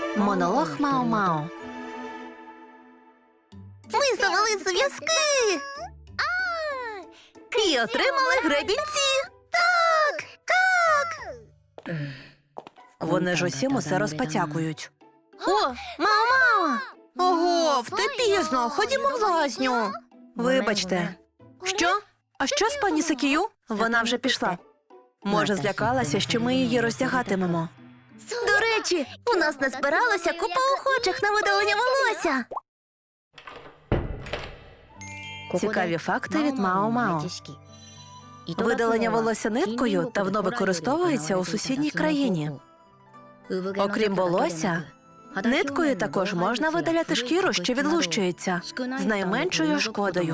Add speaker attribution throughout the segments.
Speaker 1: Монолог Мао-Мао.
Speaker 2: Ми завели зв'язки! І отримали гребінці! Так! Так!
Speaker 1: Вони ж усім усе розпотякують.
Speaker 2: О, Мао-Мао! Ого, вте пізно! Ходімо в лазню!
Speaker 1: Вибачте.
Speaker 2: Що?
Speaker 1: А що з пані Сакію? Вона вже пішла. Може, злякалася, що ми її роздягатимемо.
Speaker 2: До речі, у нас назбиралася купа охочих на видалення волосся.
Speaker 1: Цікаві факти від Мао-Мао. Видалення волосся ниткою давно використовується у сусідній країні. Окрім волосся, ниткою також можна видаляти шкіру, що відлущується, з найменшою шкодою.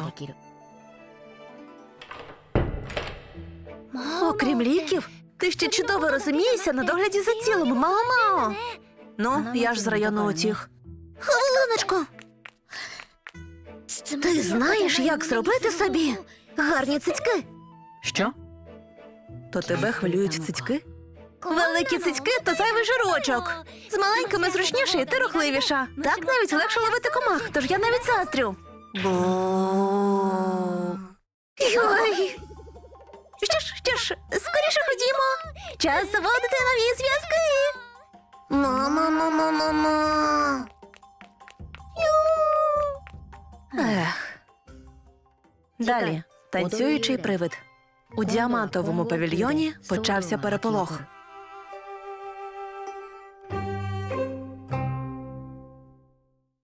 Speaker 2: Окрім ліків, ти ще чудово розумієшся на догляді за тілом, Мао-Мао.
Speaker 1: Ну, я ж з району утіх.
Speaker 2: Хвилиночку. Ти знаєш, як зробити собі гарні цицьки?
Speaker 1: Що? То тебе хвилюють цицьки?
Speaker 2: Великі цицьки – то зайвий жирочок. З маленькими зручніше і ти рухливіша. Так навіть легше ловити комах, тож я навіть заздрю.
Speaker 1: Бо...
Speaker 2: Ой. Що ж, скоріше ходімо. Час заводити нові зв'язки. Ма-ма-ма-ма-ма-ма.
Speaker 1: Ех. Далі. Танцюючий привид. У діамантовому павільйоні почався переполох.